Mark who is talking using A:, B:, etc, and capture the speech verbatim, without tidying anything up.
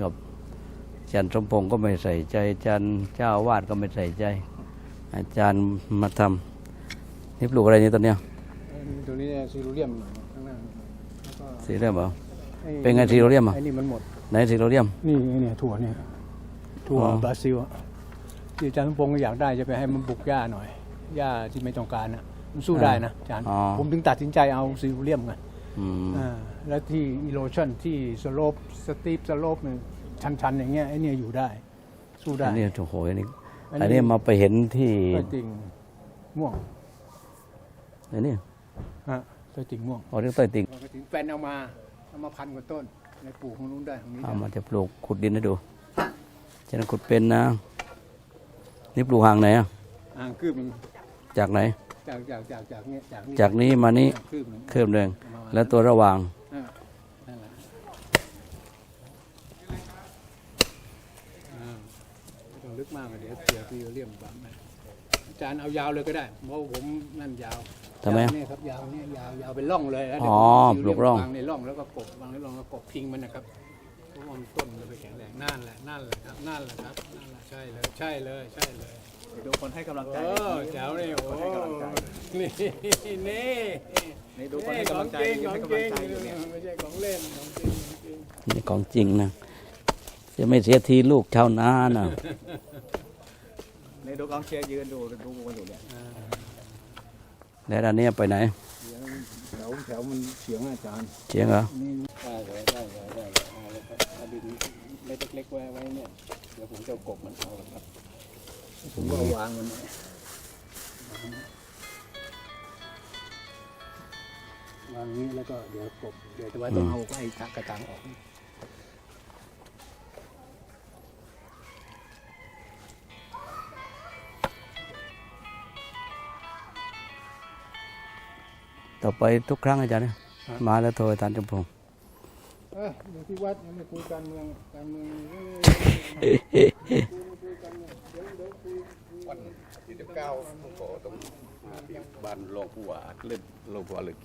A: กับอาจารย์สมพงษ์ก็ไม่ใส่ใจอาจารย์เจ้าอาวาสก็ไม่ใส่ใจ อาจารย์มาทำนี่ปลูกอะไรนี่ตอนเนี้ย
B: ตัวนี้ซีโรเลียมข้างหน้า
A: ซีโรเลียมเหรอเป็นไงซีโรเลียมอ่ะ
B: ไอ้นี่มันหมด
A: ไหนซีโรเลียม
B: นี่เนี่ยถั่วเนี่ยถั่วบราซิลที่อาจารย์สมพงษ์อยากได้จะไปให้มันบุกหญ้าหน่อยหญ้าที่ไม่ต้องการนะมันสู้ได้นะอาจารย์ผมถึงตัดสินใจเอาซีโรเลียมไงแล้วที่อีโรชั่นที่สโลปสตีปสโลปเนี่ยชันๆอย่างเงี้ยไอ้นี่อยู่ได้สู้ได้
A: อันนี้โอ้โหอันนี้อันนี้มาไปเห็นที่
B: ต้นติ่งม่วง
A: อันนี้
B: ฮะต้นติ่งม่วง
A: อ๋อเรื่องต้นติ่ง
B: ถึงแฟนเอามาเอามาพันกว่าต้นในปลูกของนู้นได้ของนี้
A: เอามาจะปลูกขุดดินให้ดูฉะนั้นขุดเป็นนะนี่ปลูกห่างไหนอ่ะ
B: ห่างคืบมัน
A: จากไหน
B: จากจากจากจากเนี้ยจากนี้
A: จากนี้มานี้คืบหนึ่งแล้วตัวระหว่าง
B: ต้องลึกมากเลยเดี๋ยวเสียพี่เลี่ยมบ้างอาจารย์เอายาวเลยก็ได้เพราะผมนั่นยาว
A: ทำไม
B: นี่ครับยาวนี่ยาวยาวเป็นร่องเลยแล้ว
A: อ๋อปลูกร่อง
B: วางในร่องแล้วก็กบวางในร่องแล้วกบพิงมันนะครับเพราะว่าต้นมันไปแข็งแรงนั่นแหละนั่นแหละครับนั่นแหละครับนั่นแหละใช่เลยใช่เลยใช่เลย
C: ดูคนให้กำลังใจ
B: เออแจ๋วเลยโอ้นี่นี่
C: นี่ดูคนให้กำลังใจให้กำลังใจอยู่เนี่ย
B: ไม่ใช่ของเล่นของจริง
A: นี่ของจริงนะจะไม่เสียทีลูกชาวนานะ
C: ในดูกองเชียร์ยืนดูดูกันอยู่เนี่ย
A: แล้วอันนี้ไปไหน
B: แถวแถวมันเฉียงอาจารย์
A: เฉียงเหรอ
B: ได้เลยได้เลยได้เลยเอาดินเล็กๆไว้ไว้เนี่ยเดี๋ยวผมจะกบมันเอาครับผมก็วางมันวางนี้แล้วก็เดี๋ยวกบเดี๋ยวจะไว้ต้องเอาไอ้กระตังออก
A: ต่อไปทุกครั้งอาจารย์เนี่ยมาแล้วโทรอาจารย์จมพงษ์
B: เอออยู่ที่วัดยังไม่คุยการเมืองการเมือง
D: วันที่สิบเก้าผมขอต้องบ้านรองผู้ว่าเล่นรองผู้ว่าเลย